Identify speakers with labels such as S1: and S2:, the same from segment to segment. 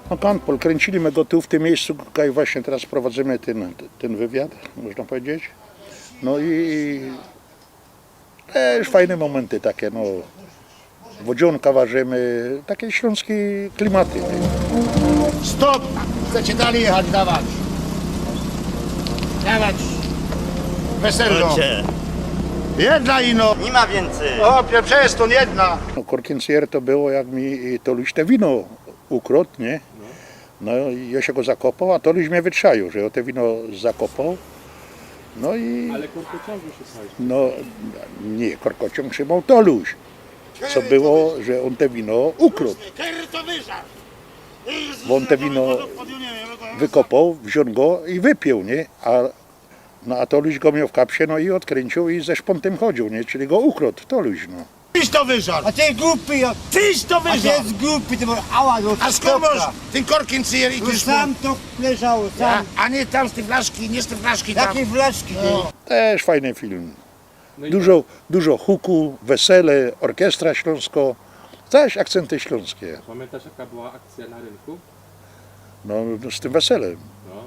S1: No Kampol, kręciliśmy go tu w tym miejscu, tutaj właśnie teraz prowadzimy ten wywiad, można powiedzieć. No i też fajne momenty takie, no. Wodzionka ważymy, takie śląskie klimaty.
S2: Stop! Chcecie dalej jechać, dawać. Dawać. Weselno. Jedna ino.
S3: Nie ma więcej.
S2: O, przez to jedna.
S1: No, Korkiencier to było, jak mi Toluś te wino ukradł, nie? No i ja się go zakopał, a Toluś mnie wytrzaił, że ja te wino zakopał. No i...
S4: Ale korkociągu szukałeś.
S1: No nie, korkociąg trzymał Toluś. Co było, że on te wino ukradł. Bo on te wino wykopał, wziął go i wypił, nie? A Toluś go miał w kapsie, no i odkręcił i ze szpontem chodził, nie? Czyli go ukradł, Toluś, no.
S2: Tyś to wyżar.
S5: A ty głupi,
S2: Tyś to
S5: a ty
S2: wyżar.
S5: jest głupi, ty ała, no
S2: A skąd masz ten korkin cyjer i
S5: No
S2: ty
S5: sam to leżało, sam.
S2: A nie tam z tej flaszki, nie z tej flaszki tam.
S5: Jakie flaszki, ty?
S1: Też fajny film.
S4: No i
S1: Dużo huku, wesele, orkiestra śląsko, też akcenty śląskie.
S4: pamiętasz, jaka była akcja na rynku?
S1: No z tym weselem.
S4: No.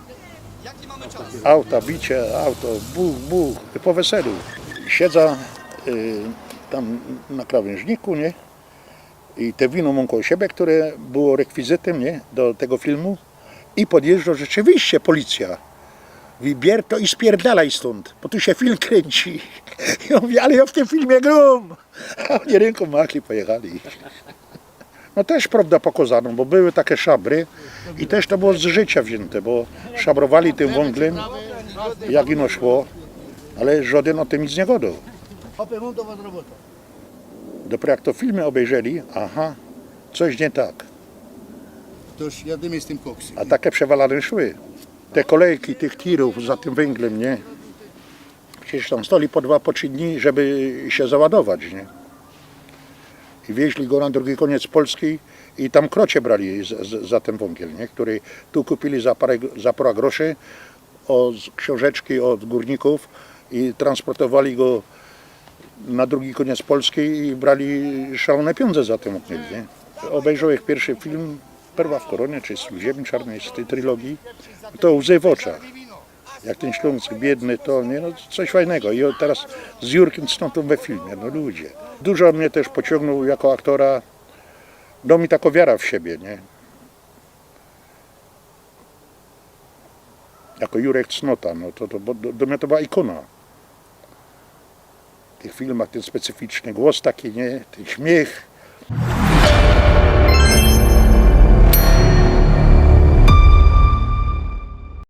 S1: Auta, bicie, auto, buch, po weselu. Siedza tam na krawężniku, nie? I te wino mam koło siebie, które było rekwizytem, nie? Do tego filmu. I podjeżdża rzeczywiście policja. Mówi, bier to i spierdalaj stąd, bo tu się film kręci. Ja mówię, ale ja w tym filmie gram. A oni ręką machli, pojechali. No też prawda pokazano, bo były takie szabry i też to było z życia wzięte, bo szabrowali tym węglem, jak ino szło, ale żaden o tym nic nie gadał. Dopiero jak to filmy obejrzeli, aha, coś nie tak,
S2: To już jadymy z tym koksem.
S1: a takie przewalane szły. Te kolejki tych tirów za tym węglem, nie? Przecież tam stali po 2, po 3 dni, żeby się załadować, nie? I wieźli go na drugi koniec Polski i tam krocie brali za ten węgiel, nie? Który tu kupili za parę groszy od książeczki od górników i transportowali go na drugi koniec Polski i brali szalone pieniądze za ten węgiel, nie? Obejrzał ich pierwszy film, Perła w koronie, czy z Ziemi Czarnej, z tej trylogii, to łzy w oczach. Jak ten Śląsk biedny, to nie, no coś fajnego. I teraz z Jurkiem Cnotą we filmie, no ludzie. Dużo mnie też pociągnął jako aktora, dał mi taką wiarę w siebie, nie? Jako Jurek Cnota, no bo do mnie to była ikona. W tych filmach ten specyficzny głos taki, nie? Ten śmiech.